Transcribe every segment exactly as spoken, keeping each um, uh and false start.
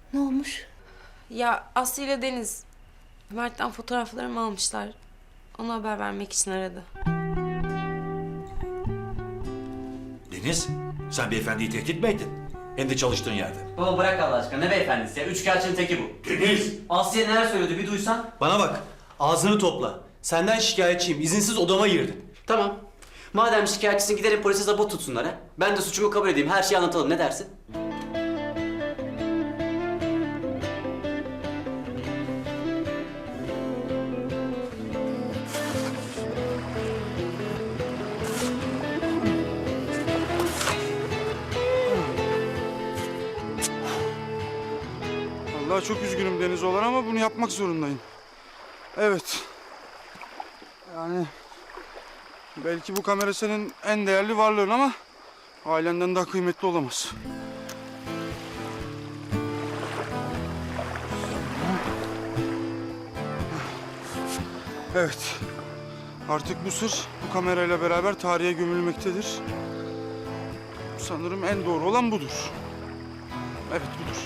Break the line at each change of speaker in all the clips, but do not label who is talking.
Ne olmuş?
Ya Aslı ile Deniz Mert'ten fotoğraflarımı almışlar. Ona haber vermek için aradı.
Deniz, sen beyefendiyi tehdit mi ettin? Hem de çalıştığın yerde.
Baba bırak Allah aşkına, ne beyefendisi ya? Üçkağıtçının teki bu.
Deniz!
Aslı'ya neler söyledi bir duysan.
Bana bak, ağzını topla. Senden şikayetçiyim, izinsiz odama girdin.
Tamam. Madem şikayetçisin gidelim polise zabıt tutsunlar ha. Ben de suçumu kabul edeyim, her şeyi anlatalım, ne dersin?
Vallahi çok üzgünüm Deniz olan ama bunu yapmak zorundayım. Evet. Yani belki bu kamera senin en değerli varlığın ama ailenden daha kıymetli olamaz. Evet. Artık bu sır bu kamerayla beraber tarihe gömülmektedir. Sanırım en doğru olan budur. Evet budur.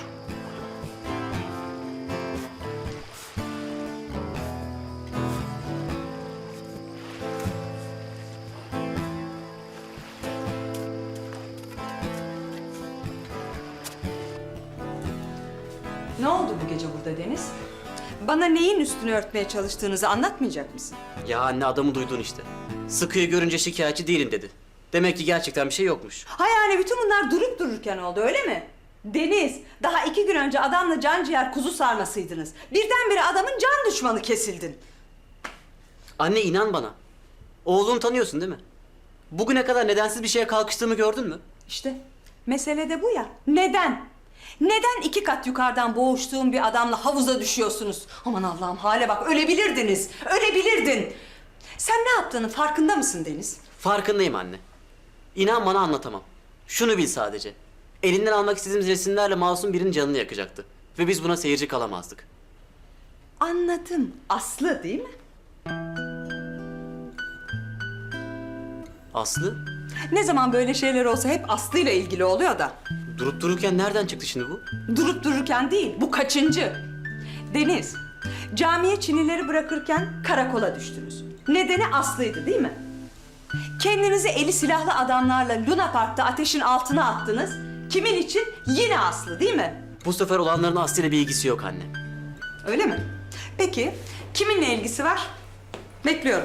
Ne oldu bu gece burada Deniz? Bana neyin üstünü örtmeye çalıştığınızı anlatmayacak mısın?
Ya anne, adamı duydun işte. Sıkıyı görünce şikayetçi değilim dedi. Demek ki gerçekten bir şey yokmuş.
Ha yani bütün bunlar durup dururken oldu öyle mi? Deniz, daha iki gün önce adamla can ciğer kuzu sarmasıydınız. Birdenbire adamın can düşmanı kesildin.
Anne inan bana. Oğlunu tanıyorsun değil mi? Bugüne kadar nedensiz bir şeye kalkıştığımı gördün mü?
İşte mesele de bu ya. Neden? Neden iki kat yukarıdan boğuştuğum bir adamla havuza düşüyorsunuz? Aman Allah'ım hale bak, ölebilirdiniz. Ölebilirdin. Sen ne yaptığının farkında mısın Deniz?
Farkındayım anne. İnan bana anlatamam. Şunu bil sadece. Elinden almak istediğimiz resimlerle masum birinin canını yakacaktı. Ve biz buna seyirci kalamazdık.
Anladım. Aslı değil mi?
Aslı,
Ne zaman böyle şeyler olsa hep Aslı ile ilgili oluyor da.
durup dururken nereden çıktı şimdi bu?
Durup dururken değil, bu kaçıncı? Deniz, camiye Çinileri bırakırken karakola düştünüz. Nedeni Aslı'ydı değil mi? Kendinizi eli silahlı adamlarla Luna Park'ta ateşin altına attınız. Kimin için? Yine Aslı değil mi?
Bu sefer olanların Aslı ile bir ilgisi yok anne.
Öyle mi? Peki, kiminle ilgisi var? Bekliyorum.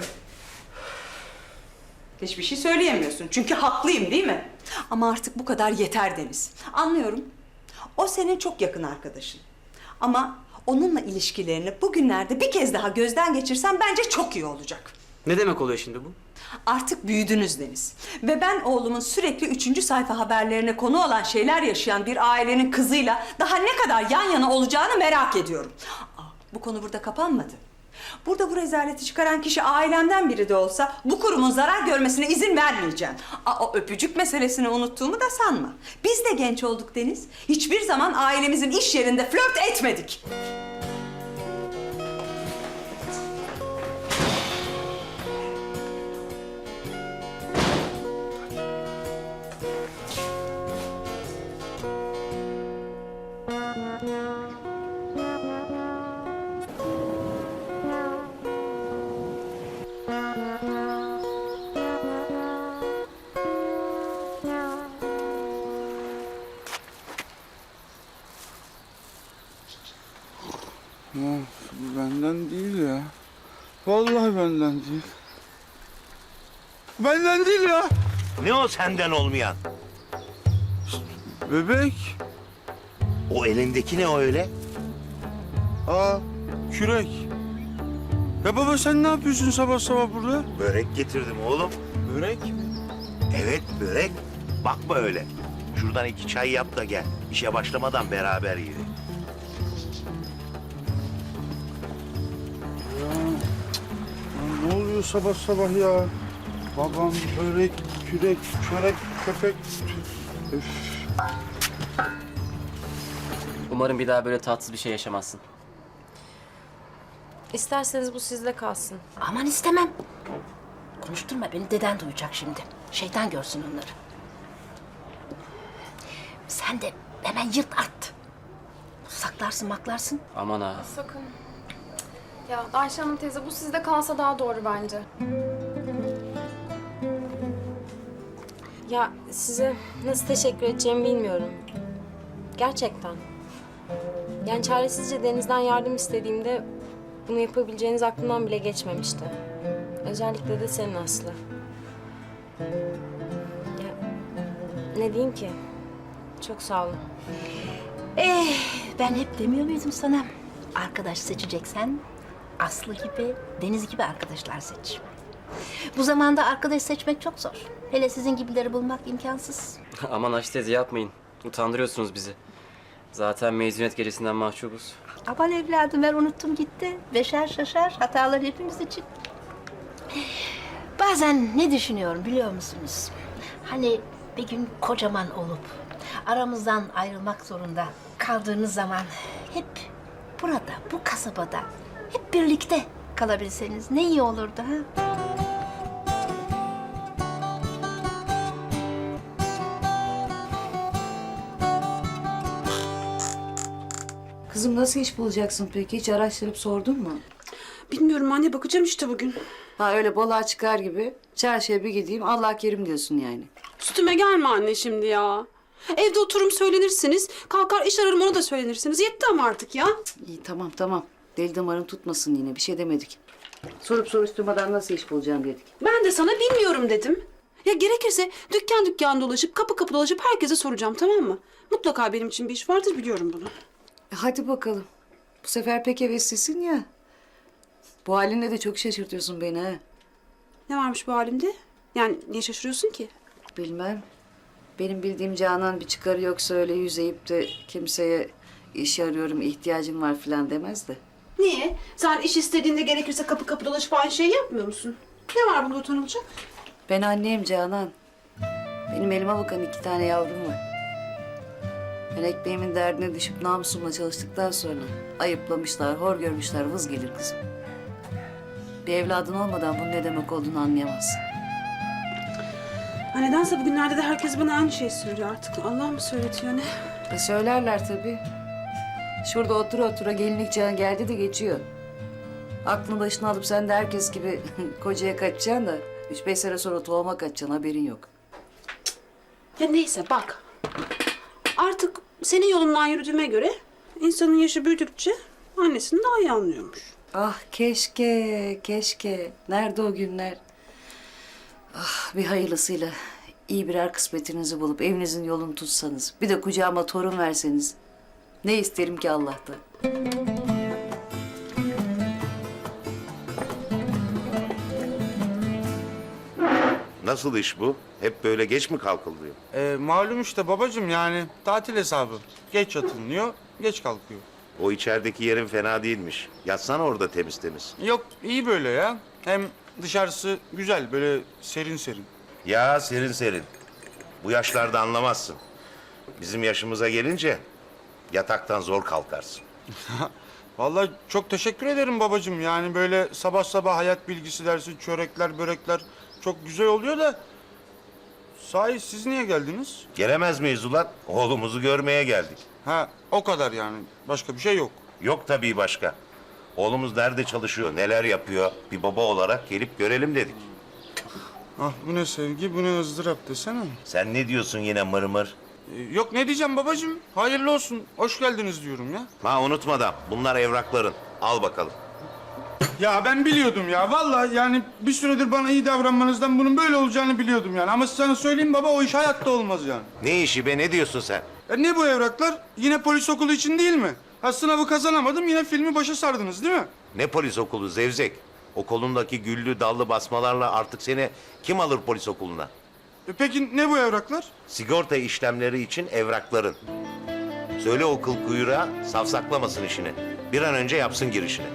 Hiçbir şey söyleyemiyorsun çünkü haklıyım değil mi? Ama artık bu kadar yeter Deniz. Anlıyorum. O senin çok yakın arkadaşın. Ama onunla ilişkilerini bugünlerde bir kez daha gözden geçirsen bence çok iyi olacak.
Ne demek oluyor şimdi bu?
Artık büyüdünüz Deniz. Ve ben oğlumun sürekli üçüncü sayfa haberlerine konu olan şeyler yaşayan bir ailenin kızıyla daha ne kadar yan yana olacağını merak ediyorum. Aa, bu konu burada kapanmadı. Burada bu rezaleti çıkaran kişi ailemden biri de olsa bu kurumun zarar görmesine izin vermeyeceğim. Aa, o öpücük meselesini unuttuğumu da sanma. Biz de genç olduk Deniz. Hiçbir zaman ailemizin iş yerinde flört etmedik.
Ya, bu benden değil ya. Vallahi benden değil. Benden değil ya.
Ne o senden olmayan?
Bebek.
O elindeki ne o öyle?
Aa, kürek. Ya baba sen ne yapıyorsun sabah sabah burada?
Börek getirdim oğlum.
Börek.
Evet börek. Bakma öyle. Şuradan iki çay yap da gel. İşe başlamadan beraber yiyelim.
Ya ne oluyor sabah sabah ya? Babam, börek, kürek, çörek, köpek. Üf.
Umarım bir daha böyle tatsız bir şey yaşamazsın.
İsterseniz bu sizde kalsın.
Aman istemem. Konuşturma beni, deden duyacak şimdi. Şeytan görsün onları. Sen de hemen yırt at. Sakın Saklarsın maklarsın.
Aman ha.
Sakın. Ya Ayşe Hanım teyze bu sizde kalsa daha doğru bence.
Ya size nasıl teşekkür edeceğimi bilmiyorum. Gerçekten. Yani çaresizce Deniz'den yardım istediğimde bunu yapabileceğiniz aklımdan bile geçmemişti. Özellikle de senin Aslı. Ya, ne diyeyim ki? Çok sağ olun.
Eh, ben hep demiyor muydum sana? Arkadaş seçeceksen Aslı gibi, Deniz gibi arkadaşlar seç. Bu zamanda arkadaş seçmek çok zor. Hele sizin gibileri bulmak imkansız.
Aman Ayşe teyze yapmayın. Utandırıyorsunuz bizi. Zaten mezuniyet gecesinden mahcubuz.
Aman evladım ben unuttum gitti. Beşer şaşar hatalar hepimiz için. Bazen ne düşünüyorum biliyor musunuz? Hani bir gün kocaman olup aramızdan ayrılmak zorunda kaldığınız zaman hep burada, bu kasabada hep birlikte kalabilseniz ne iyi olurdu ha?
Kızım nasıl iş bulacaksın peki? Hiç araştırıp sordun mu?
Bilmiyorum anne, bakacağım işte bugün.
Ha öyle balığa çıkar gibi çarşıya bir gideyim Allah kerim diyorsun yani.
Üstüme gelme anne şimdi ya. Evde oturum söylenirsiniz, kalkar iş ararım ona da söylenirsiniz. Yetti ama artık ya.
İyi tamam tamam. Deli damarın tutmasın yine bir şey demedik. Sorup soruşturmadan nasıl iş bulacağım dedik.
Ben de sana bilmiyorum dedim. Ya gerekirse dükkan dükkan dolaşıp, kapı kapı dolaşıp herkese soracağım, tamam mı? Mutlaka benim için bir iş vardır, biliyorum bunu.
E, hadi bakalım. Bu sefer pek heveslisin ya. Bu halinle de çok şaşırtıyorsun beni ha.
Ne varmış bu halimde? Yani niye şaşırıyorsun ki?
Bilmem. Benim bildiğim Canan bir çıkarı yoksa öyle yüzeyip de kimseye iş arıyorum, ihtiyacım var falan demez de.
Niye? Sen iş istediğinde gerekirse kapı kapı dolaşıp aynı şeyi yapmıyor musun? Ne var bunda utanılacak?
Ben anneyim Canan. Benim elime bakan iki tane yavrum var. Ben ekmeğimin derdine düşüp namusumla çalıştıktan sonra ayıplamışlar, hor görmüşler, vız gelir kızım. Bir evladın olmadan bunun ne demek olduğunu anlayamazsın.
Ha, nedense bugünlerde de herkes bana aynı şeyi söylüyor artık. Allah mı söyletiyor ne?
E söylerler tabii. Şurada otur otura gelinlik çağın geldi de geçiyor. Aklını başına alıp sen de herkes gibi kocaya kaçacaksın da üç beş sene sonra tohuma kaçacaksın haberin yok.
Ya neyse bak. Artık senin yolundan yürüdüğüme göre insanın yaşı büyüdükçe annesini daha iyi anlıyormuş.
Ah keşke, keşke. Nerede o günler? Ah bir hayırlısıyla iyi birer kısmetinizi bulup evinizin yolunu tutsanız. Bir de kucağıma torun verseniz. Ne isterim ki Allah'tan.
Nasıl iş bu? Hep böyle geç mi kalkılıyor?
Ee, malum işte babacığım yani tatil hesabı. Geç yatılıyor, geç kalkıyor.
O içerideki yerin fena değilmiş. Yatsana orada temiz temiz.
Yok iyi böyle ya. Hem dışarısı güzel böyle serin serin.
Ya serin serin. Bu yaşlarda anlamazsın. Bizim yaşımıza gelince yataktan zor kalkarsın.
Vallahi çok teşekkür ederim babacığım. Yani böyle sabah sabah hayat bilgisi dersi, çörekler, börekler çok güzel oluyor da... Sahi siz niye geldiniz?
Gelemez miyiz ulan? Oğlumuzu görmeye geldik.
Ha o kadar yani. Başka bir şey yok.
Yok tabii başka. Oğlumuz nerede çalışıyor, neler yapıyor? Bir baba olarak gelip görelim dedik.
Ah bu ne sevgi, bu ne ızdırap desene.
Sen ne diyorsun yine mır mır?
Ee, yok ne diyeceğim babacığım. Hayırlı olsun. Hoş geldiniz diyorum ya.
Ha unutmadan bunlar evrakların. Al bakalım.
Ya ben biliyordum ya. Vallahi yani bir süredir bana iyi davranmanızdan bunun böyle olacağını biliyordum yani. Ama sana söyleyeyim baba o iş hayatta olmaz yani.
Ne işi be, ne diyorsun sen?
E ne bu evraklar? Yine polis okulu için değil mi? Ha sınavı kazanamadım yine filmi başa sardınız değil mi?
Ne polis okulu Zevzek? O kolundaki güllü dallı basmalarla artık seni kim alır polis okuluna?
E peki ne bu evraklar?
Sigorta işlemleri için evrakların. Söyle o kıl kuyruğa safsaklamasın işini. Bir an önce yapsın girişini.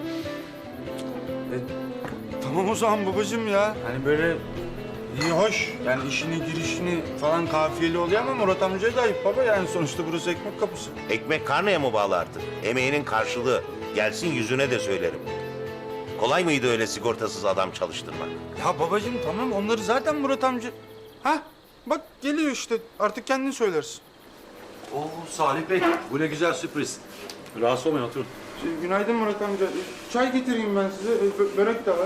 Tamam o zaman babacığım ya. Hani böyle iyi hoş. Yani işini girişini falan kafiyeli oluyor ama Murat amcaya da ayıp baba. Yani sonuçta burası ekmek kapısı.
Ekmek karneye mı bağlı artık? Emeğinin karşılığı. Gelsin yüzüne de söylerim. Kolay mıydı öyle sigortasız adam çalıştırmak?
Ya babacığım tamam onları zaten Murat amca... Ha bak geliyor işte artık kendin söylersin.
Oo Salih Bey, bu ne güzel sürpriz. Rahatsız olmayın, oturun.
Şey, günaydın Murat amca. Çay getireyim ben size. E, bö- börek de var.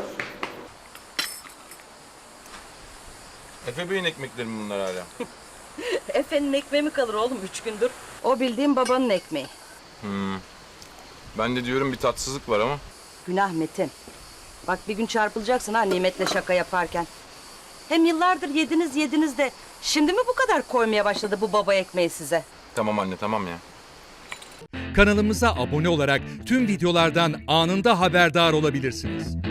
Efe Bey'in ekmekleri mi bunlar hala?
Efe'nin ekmeği mi kalır oğlum üç gündür? O bildiğin babanın ekmeği.
Hmm. Ben de diyorum bir tatsızlık var ama.
Günah Metin. Bak bir gün çarpılacaksın ha Nimet'le şaka yaparken. Hem yıllardır yediniz yediniz de şimdi mi bu kadar koymaya başladı bu baba ekmeği size?
Tamam anne, tamam ya.
Kanalımıza abone olarak tüm videolardan anında haberdar olabilirsiniz.